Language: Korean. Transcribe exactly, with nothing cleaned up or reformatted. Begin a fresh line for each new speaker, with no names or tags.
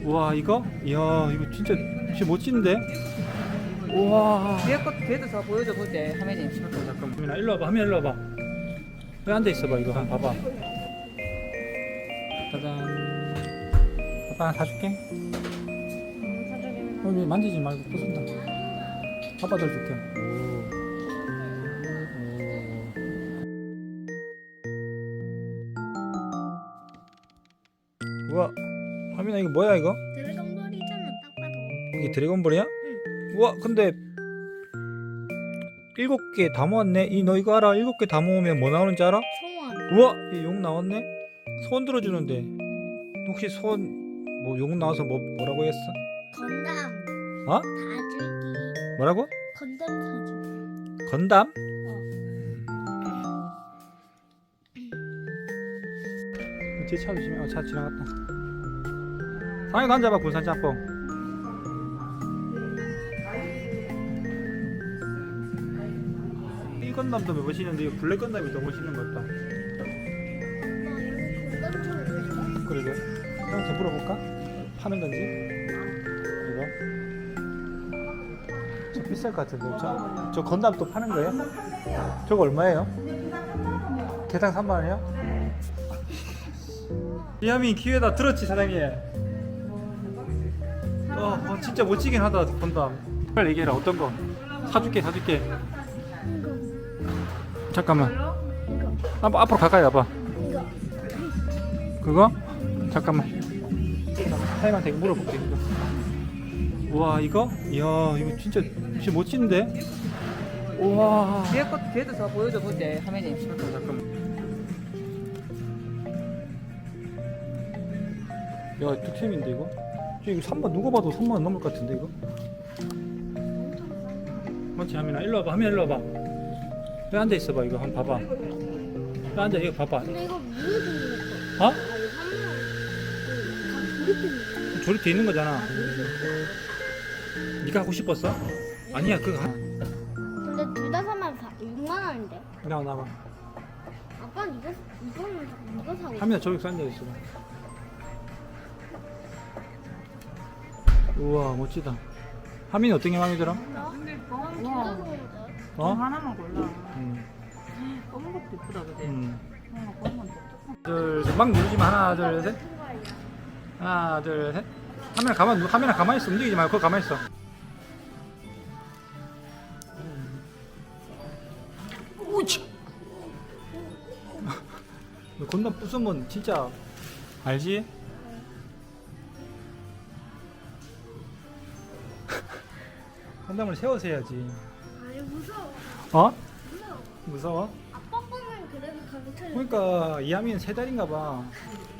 우와 이거? 이야 이거 진짜 진짜 멋진데? 우와.
뒤에 것 뒤에도 더 보여줘 볼때 화면이.
잠깐 잠깐. 민아 일로 와봐. 화면 일로 와봐. 왜 앉아 있어봐 이거 한번 봐봐. 짜잔. 아빠 하나 사줄게. 여기 만지지 말고 부순다. 아빠 들 줄게. 오. 오. 우와. 하민아 이거 뭐야 이거?
드래곤볼이잖아 딱 봐도.
이게 드래곤볼이야? 우와 근데 일곱 개 다 모았네. 이 너 이거 알아? 일곱 개 다 모으면 뭐 나오는지 알아?
소원.
우와 이 용 나왔네. 소원 들어주는데 혹시 소원 뭐 용 나와서 뭐 뭐라고 했어?
건담.
어?
다줄기.
뭐라고?
건담 사줄기.
건담? 뒤에 차 조심해. 어, 차 지나갔다. 상현이 앉아봐. 군산 짬뽕. 이 건담도 멋있는데 이 블랙 건담이 더 멋있는 것 같다.
엄마 여기 건담 좀 있는데?
그러게. 형한테 물어볼까? 파는 건지? 이거? 저 비쌀 것 같은데. 저, 저 건담 또 파는 거예요? 저거 얼마예요? 개당 삼만 원이요? 이하민 기회다. 들었지 사장님? 어, 어 진짜 멋지긴 하다 건담. 빨리 얘기해라. 어떤 거? 사줄게 사줄게.
이거.
잠깐만.
이거.
한번 앞으로 가까이 와봐.
이거.
그거? 잠깐만. 사장님한테 이거 물어볼게. 이거. 우와 이거? 이야 이거 진짜 진짜 멋진데? 우와.
뒤에 것 뒤에도 더 보여줘 볼때 화면이.
잠깐 잠깐만. 야 득템인데 이거? 저 이거 삼만 누가 봐도 삼만 원 넘을 것 같은데 이거? 맞지 하민아 일로 와봐. 하민아 일로 와봐. 왜 앉아 있어봐 이거 한번 봐봐. 왜 앉아 이거 봐봐.
근데 이거 무슨 생겼어?
어?
아 이거 한번. 다 조립해.
조립돼 있는 거잖아. 네가 하고 싶었어? 아니야 그거 하...
근데 둘 다 사면 다 육만 원인데.
나와 나와.
아빠는 이거 이거는 이거 사고.
하민아 저기서 앉아 있어. 우와 멋지다. 하민이 어떤 게 마음에 들어?
나?
와.
진짜 좋은데.
어?
하나만 골라.
음.
검은 것도 이쁘다 그지?
음.
어, 검은 것도.
둘, 셋. 막 누르지 마. 하나, 둘, 셋. 하나, 둘, 셋. 카메라 가만, 카메라 가만히 있어. 움직이지 말고, 그거 가만히 있어. 우치. 너 건담 부수면 진짜 알지? 건담을 세워서 해야지.
아니 무서워.
어?
무서워.
무서워?
아빠 보면 그래도 가고 쳐.
그러니까 이하민 세 달인가 봐.